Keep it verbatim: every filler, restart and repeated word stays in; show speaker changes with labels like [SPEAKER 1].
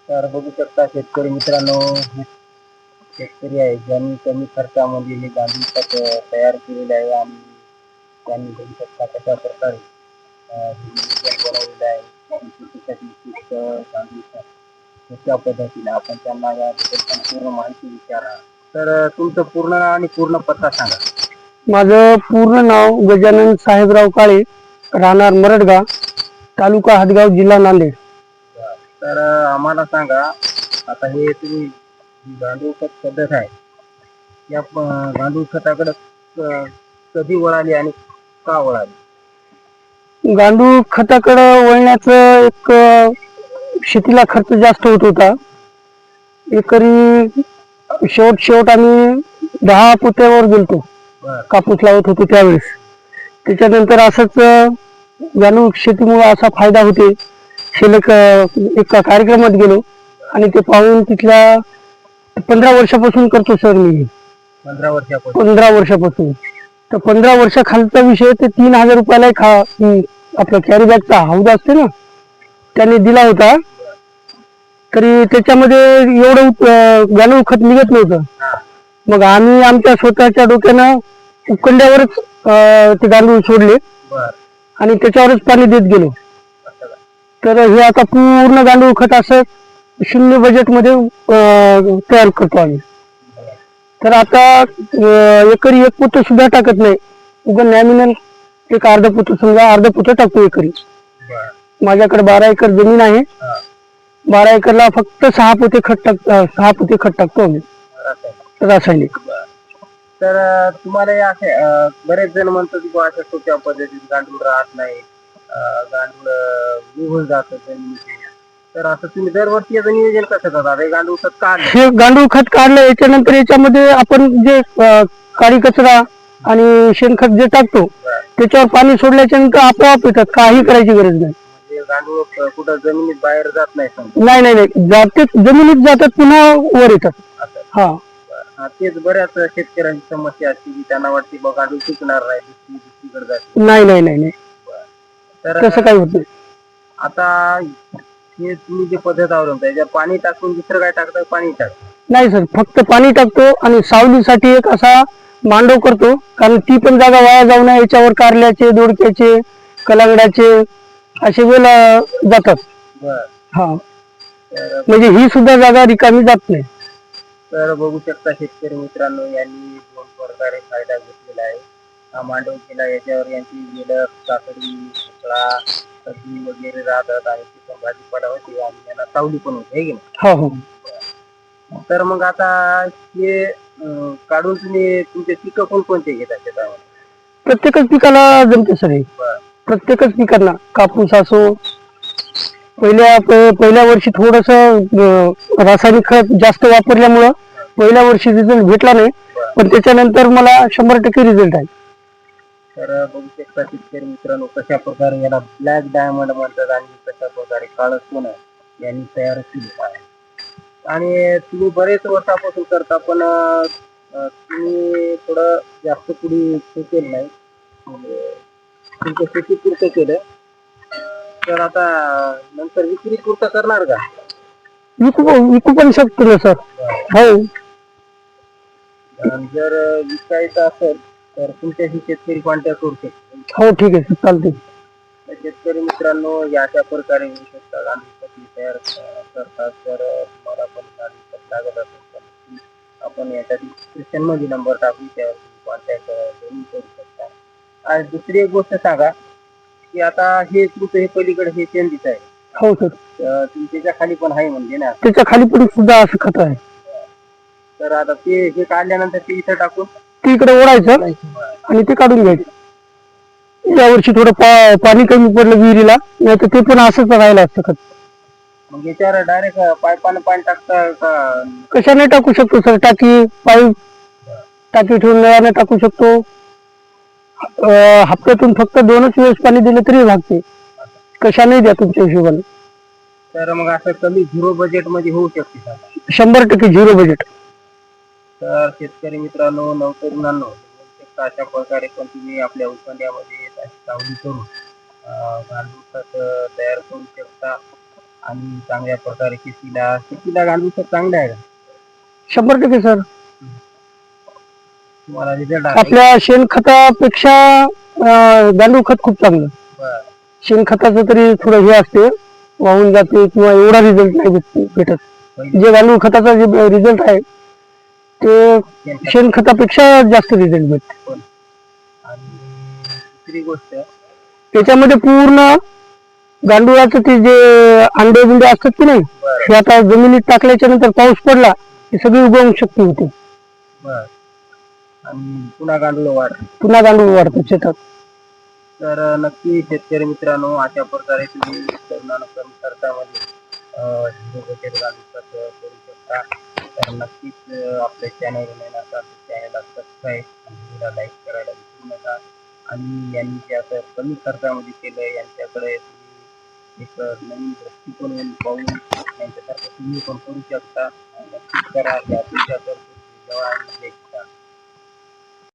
[SPEAKER 1] तर बघू शकता शेतकरी मित्रांनो, हे शेतकरी आहे ज्यांनी कमी खर्चामध्ये हे गांडूळ खत अ, तयार केलेले आहे आणि त्यांनी बघू शकता कशा प्रकारे अ, हे नियोजन बनवलेलं आहे. आणि शेतीसाठी उपयुक्त गांडूळ खत कशा पद्धतीने आपण त्यांना याबद्दल संपूर्ण माहिती विचारा. तर अ, तुमचं पूर्ण नाव आणि पूर्ण पत्ता सांगा.
[SPEAKER 2] माझं पूर्ण नाव गजानन साहेबराव काळे, राहणार मरडगाव, तालुका हदगाव, जिल्हा नांदेड.
[SPEAKER 1] तर अ, आम्हाला सांगा, आता हे तुम्ही जी गांडूळ खत पद्धत आहे, या प गांडूळ खताकडे क कधी वळाली आणि का वळाली?
[SPEAKER 2] गांडूळ खताकडं वळण्याचं एक अ, शेतीला खर्च जास्त होत होता. एकरी शेवट शेवट आम्ही दहा पोत्यावर गेलतो,
[SPEAKER 1] बरं.
[SPEAKER 2] कापूस लावत होतो त्यावेळेस. त्याच्यानंतर असंच अ, गांडूळ शेतीमुळे असा फायदा होते. शिल्लक अ, एका कार्यक्रमात गेलो आणि ते पाहून तिथल्या पंधरा वर्षापासून करतो सर मी.
[SPEAKER 1] पंधरा वर्षापासून.
[SPEAKER 2] पंधरा वर्षापासून तर पंधरा वर्षाखालचा विषय ते तीन हजार रुपयाला एक हा हम्म, आपला कॅरी बॅगचा हौदा असते ना, त्यांनी दिला होता. तरी त्याच्यामध्ये एवढं अं, गांडूळ खत निघत नव्हतं.
[SPEAKER 1] हां.
[SPEAKER 2] मग आम्ही आमच्या स्वतःच्या डोक्यानं उकंड्यावरच अं, ते गांडूळ सोडले
[SPEAKER 1] बरं.
[SPEAKER 2] आणि त्याच्यावरच पाणी देत गेलो.
[SPEAKER 1] असं का?
[SPEAKER 2] तर हे आता पूर्ण गांडूळ खत असं शून्य बजेटमध्ये अं, तयार करतो आम्ही.
[SPEAKER 1] बरं.
[SPEAKER 2] तर आता अं, एकरी एक पोतं सुद्धा टाकत नाही. उगं नॅमिनल एक अर्ध पोतं, समजा अर्ध पोतं टाकतो एकरी.
[SPEAKER 1] बरं.
[SPEAKER 2] माझ्याकडे बारा एकर जमीन आहे.
[SPEAKER 1] हां.
[SPEAKER 2] बारा एकरला फक्त सहा पोते खत टाक अं, सहा पोते खत टाकतो आम्ही
[SPEAKER 1] रासायनिक.
[SPEAKER 2] रासायनिक.
[SPEAKER 1] बरं. तर अ, तुम्हाला हे असे अ, बरेच जण म्हणतात की बुवा अशा सोप्या पद्धतीने गांडूळ राहत नाही. अ, गांडूळ अ, निघून जातं जमिनीतून. तर असं तुम्ही दरवर्षी याचं नियोजन कसं करता? हे गांडूळ खत काढलं.
[SPEAKER 2] हे गांडूळ खत काढलं याच्यानंतर याच्यामध्ये आपण जे अं, काळी कचरा आणि शेणखत जे टाकतो
[SPEAKER 1] बरं.
[SPEAKER 2] त्याच्यावर पाणी सोडल्याच्या नंतर आपोआप येतात, काही करायची गरज नाही.
[SPEAKER 1] म्हणजे गांडूळ क कुठं जमिनीत बाहेर जात नाही समजा.
[SPEAKER 2] नाही नाही नाही जाते, जमिनीत जातात पुन्हा वर येतात.
[SPEAKER 1] असं.
[SPEAKER 2] हा
[SPEAKER 1] बरं. हां, तेच बऱ्याच शेतकऱ्यांची समस्या असते की त्यांना वाटते बा गांडूळ टिकणार नाही, दुसरी दुसरीकडे जाते.
[SPEAKER 2] नाही नाही नाही नाही
[SPEAKER 1] बरं. तर
[SPEAKER 2] तसं
[SPEAKER 1] अ,
[SPEAKER 2] काही होत नाही.
[SPEAKER 1] आता हे तुम्ही जी पद्धत अवलंबता याच्यावर पाणी टाकून दुसरं काय टाकता? पाणी टाकता?
[SPEAKER 2] नाही सर, फक्त पाणी टाकतो आणि सावलीसाठी एक असा मांडव करतो, कारण ती पण जागा वाया जाऊ नये याच्यावर कारल्याचे, दोडक्याचे, कलांगडाचे असे वेल अं, जातात.
[SPEAKER 1] बरं.
[SPEAKER 2] हा
[SPEAKER 1] तर
[SPEAKER 2] म्हणजे ही सुद्धा जागा रिकामी जात नाही.
[SPEAKER 1] तर बघू शकता शेतकरी मित्रांनो, यांनी दोन प्रकारे फायदा घेतलेला आहे. हा मांडव केला, याच्यावर यांची वेलं, काकडी, भोपळा, कद्दू वगैरे राहतात आणि ती पण भाजीपाला होते आणि यांना सावली पण होते, है की नाही?
[SPEAKER 2] हो हो
[SPEAKER 1] तर मग आता हे अं, काढून तुम्ही तुमचे पिकं कोणकोणते घेता शेतामध्ये?
[SPEAKER 2] प्रत्येकच पिकाला जमते सर हे.
[SPEAKER 1] बरं.
[SPEAKER 2] प्रत्येकच पिकांना कापूस असो, पहिल्या प- पहिल्या वर्षी थोडस रासायनिक खत जास्त वापरल्यामुळं पहिल्या वर्षी रिझल्ट भेटला नाही,
[SPEAKER 1] बरं.
[SPEAKER 2] पण त्याच्यानंतर मला शंभर टक्के रिझल्ट आहे.
[SPEAKER 1] तर बघू शकता शेतकरी मित्रांनो, कशा प्रकारे याला ब्लॅक डायमंड म्हणतात आणि कशा प्रकारे काळं सोनं यांनी तयार केलेलं आहे. आणि तुम्ही बरेच वर्षापासून करता, पण अ, अ, तुम्ही थोडं जास्त पुढे हे केलं नाही, म्हणजे तुमच्या शेतीपुरतं केलं. तर आता नंतर विक्री पुरतं करणार का?
[SPEAKER 2] विकू विकू पण शकतो ना सर. हो
[SPEAKER 1] आणि जर विकायचं असेल तर तुमच्याशी शेतकरी कॉन्टॅक्ट करू शकतो.
[SPEAKER 2] हो ठीक आहे सर, चालते.
[SPEAKER 1] तर शेतकरी मित्रांनो, या अशा प्रकारे होऊ शकता गांडूळ खत तयार अ, करतात. तर अ, तुम्हाला पण गांडूळ खत लागत असेल तर नक्की आपण याच्या डिस्क्रिप्शन मध्ये नंबर टाकू, त्यावर तुम्ही कॉन्टॅक्ट जरूर करू शकता. आणि दुसरी एक गोष्ट सांगा की आता हे तुमचं हे पलीकडे हे चेंडीच आहे,
[SPEAKER 2] हो सर,
[SPEAKER 1] तर तुम्ही त्याच्या खाली पण आहे म्हणजे ना.
[SPEAKER 2] त्याच्या खाली पण सुद्धा असं खत आहे.
[SPEAKER 1] तर आता ते हे काढल्यानंतर ते इथं टाकून
[SPEAKER 2] ते इकडे ओढायचं आणि ते काढून घ्यायचं. यावर्षी थोडं पा पाणी कमी पडलं विहिरीला, नाही तर ते पण असंच राहिलं असतं खत.
[SPEAKER 1] मग याच्यावर डायरेक्ट पाईपानं पाणी टाकता का?
[SPEAKER 2] कशाने टाकू शकतो सर, टाकी पाईप टाकी ठेवून नळाने टाकू शकतो. अं, हप्त्यातून फक्त दोनच वेळेस पाणी दिलं तरी भागते. कशाने द्या तुमच्या हिशोबाने.
[SPEAKER 1] तर मग असं कमी झिरो बजेट मध्ये होऊ शकते का?
[SPEAKER 2] शंभर टक्के झिरो बजेट.
[SPEAKER 1] तर शेतकरी मित्रांनो, नवतरुणांनो, अशा प्रकारे पण तुम्ही आपल्या उखाण्यामध्ये सावली करून अं, गांडूळ खत तयार करू शकता. आणि चांगल्या प्रकारे शेतीला शेतीला गांडूळ खत चांगलं आहे का
[SPEAKER 2] शंभर टक्के सर.
[SPEAKER 1] तुम्हाला रिझल्ट आहे
[SPEAKER 2] आपल्या शेणखतापेक्षा अं, गांडूळ खत खूप चांगलं.
[SPEAKER 1] बरं.
[SPEAKER 2] शेणखताचं तरी थोडं हे असते, वाहून जाते किंवा एवढा रिझल्ट नाही भेट- भेटत.
[SPEAKER 1] पहिले
[SPEAKER 2] जे गांडूळ खताचा जे रिझल्ट आहे ते
[SPEAKER 1] शेणखत
[SPEAKER 2] शेणखतापेक्षा जास्त रिझल्ट भेटते.
[SPEAKER 1] आणि दुसरी गोष्ट
[SPEAKER 2] त्याच्यामध्ये पूर्ण गांडुळाचं ते जे अंडे बिंडे असतात की नाही,
[SPEAKER 1] बरं
[SPEAKER 2] हे आता जमिनीत टाकल्याच्या नंतर पाऊस पडला की सगळी उगवू शक्ती होते,
[SPEAKER 1] बरं आणि पुन्हा गांडूळ वाढ.
[SPEAKER 2] पुन्हा गांडूळ वाढतो शेतात.
[SPEAKER 1] तर नक्की शेतकरी मित्रांनो अशा प्रकारे तुम्ही तरुणांना कमी खर्चामध्ये अं, झिरो बजेट गांडूळ खत करू शकता. तर नक्कीच अं, आपल्या चॅनलवर नवीन असाल तर चॅनलला सबस्क्राईब आणि व्हिडिओला लाईक करायला विसरू नका. आणि यांनी जे असं कमी खर्चामध्ये केलं यांच्याकडे तुम्ही एक नवीन दृष्टिकोन पाहून यांच्यासारखं तुम्ही पण करू शकता. नक्कीच करा या तुमच्या